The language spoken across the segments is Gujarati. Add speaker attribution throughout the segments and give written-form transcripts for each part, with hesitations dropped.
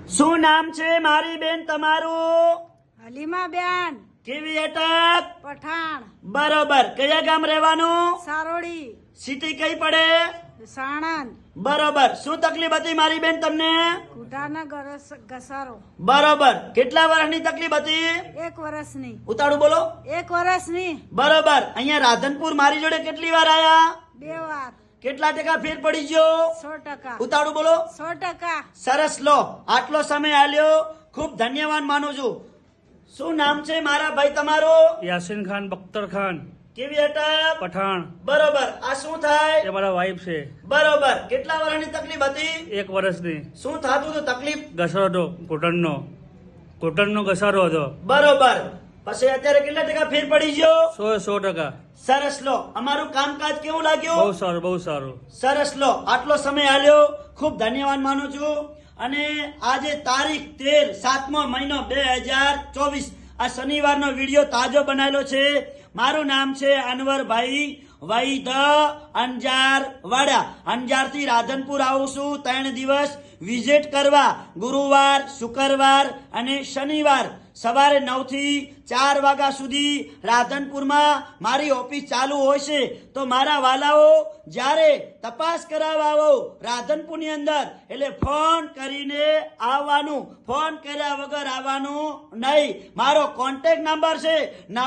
Speaker 1: શું નામ છે મારી બેન તમારું?
Speaker 2: હલીમા બેન
Speaker 1: કેવી અટક?
Speaker 2: પઠાણ
Speaker 1: બરોબર. કયા ગામ રહેવાનું?
Speaker 2: સારોડી
Speaker 1: સિટી કઈ પડે?
Speaker 2: સાણંદ
Speaker 1: બરોબર. શું તકલીફ હતી મારી બેન તમને?
Speaker 2: ઘૂંટાના ઘસારો
Speaker 1: બરોબર. કેટલા વર્ષની તકલીફ હતી?
Speaker 2: 1 વર્ષની
Speaker 1: ઉતાળું બોલો.
Speaker 2: 1 વર્ષની
Speaker 1: બરોબર. અહીંયા રાધનપુર મારી જોડે કેટલી વાર આયા?
Speaker 2: 2 વાર
Speaker 1: કેટલા ટકા ફેર પડી ગયો?
Speaker 2: 100%.
Speaker 1: ઉતાળું બોલો.
Speaker 2: 100%.
Speaker 1: સરસ. લો, આટલો સમય આલ્યો, ખૂબ ધન્યવાદ માનું છું. શું નામ છે મારા ભાઈ તમારું?
Speaker 3: યાસીન ખાન બખ્તર ખાન
Speaker 1: કેવી અટક?
Speaker 3: પઠાણ.
Speaker 1: બરોબર. આ શું થાય?
Speaker 3: એ મારા વાઈફ છે.
Speaker 1: બરોબર. કેટલા વર્ષની તકલીફ હતી?
Speaker 3: 1 વર્ષની.
Speaker 1: શું થતું હતું તકલીફ?
Speaker 3: ઘસારો હતો ઘૂંટણનો ઘસારો હતો.
Speaker 1: બરોબર. પછી અત્યારે કેટલા ટકા ફેર પડી ગયો?
Speaker 3: 100%.
Speaker 1: સરસ. લો, અમારું કામકાજ કેવું લાગ્યું?
Speaker 3: બહુ સારું બહુ સારું.
Speaker 1: સરસ. લો, આટલો સમય આલ્યો, ખૂબ ધન્યવાદ માનું છું. અને આજે તારીખ 13 7મો મહિનો 2024 આ શનિવારનો વિડીયો તાજો બનાવેલો છે. મારું નામ છે અનવરભાઈ વૈદ અંજાર વાડા. અંજારથી રાધનપુર આવું છું 3 દિવસ વિઝિટ કરવા. ગુરુવાર, શુક્રવાર અને શનિવાર સવારે 9 થી 4 વાગ્યા સુધી રાધનપુરમાં મારી ઓફિસ ચાલુ હોય છે. તો મારા વાલાઓ જ્યારે તપાસ કરાવવા આવો રાધનપુરની અંદર એટલે ફોન કરીને આવવાનું, ફોન કર્યા વગર આવવાનું નહીં. મારો કોન્ટેક્ટ નંબર છે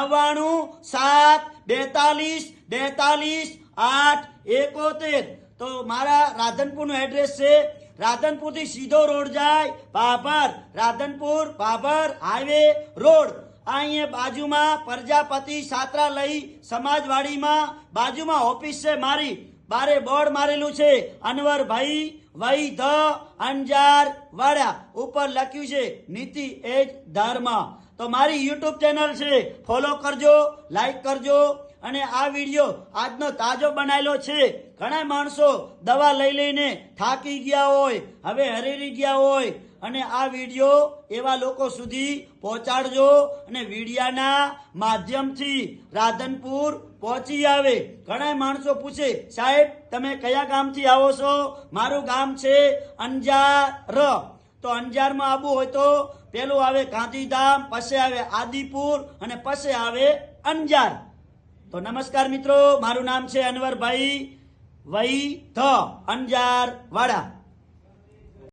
Speaker 1: 9972422871. તો મારા રાધનપુરનું એડ્રેસ છે. રાધનપુરથી સીધો રોડ જાય ભાભર, રાધનપુર ભાભર હાઈવે રોડ. અહીંયા બાજુમાં પ્રજાપતિ છાત્રાલય સમાજવાડીમાં બાજુમાં ઓફિસ છે મારી. બારે બોર્ડ મારેલું છે અનવરભાઈ વૈદ અંજાર વાડા. ઉપર લખ્યું છે નીતિ એજ ધર્મ. તો મારી યુટ્યુબ ચેનલ છે, ફોલો કરજો, લાઈક કરજો. અને આ વિડીયો આજનો તાજો બનાવેલો છે. ઘણા માણસો દવા લઈ લઈને થાકી ગયા હોય, હવે હરેરી ગયા હોય, અને આ વિડીયો એવા લોકો સુધી પહોંચાડજો અને વિડીયાના માધ્યમથી રાધનપુર પહોંચી આવે. ઘણા માણસો પૂછે, સાહેબ તમે કયા ગામથી આવો છો? મારું ગામ છે અંજાર. તો અંજારમાં આવવું હોય તો પેલું આવે ગાંધીધામ, પછી આવે આદિપુર અને પછી આવે અંજાર. તો નમસ્કાર મિત્રો, મારું નામ છે અનવરભાઈ વૈદ અંજાર વાડા.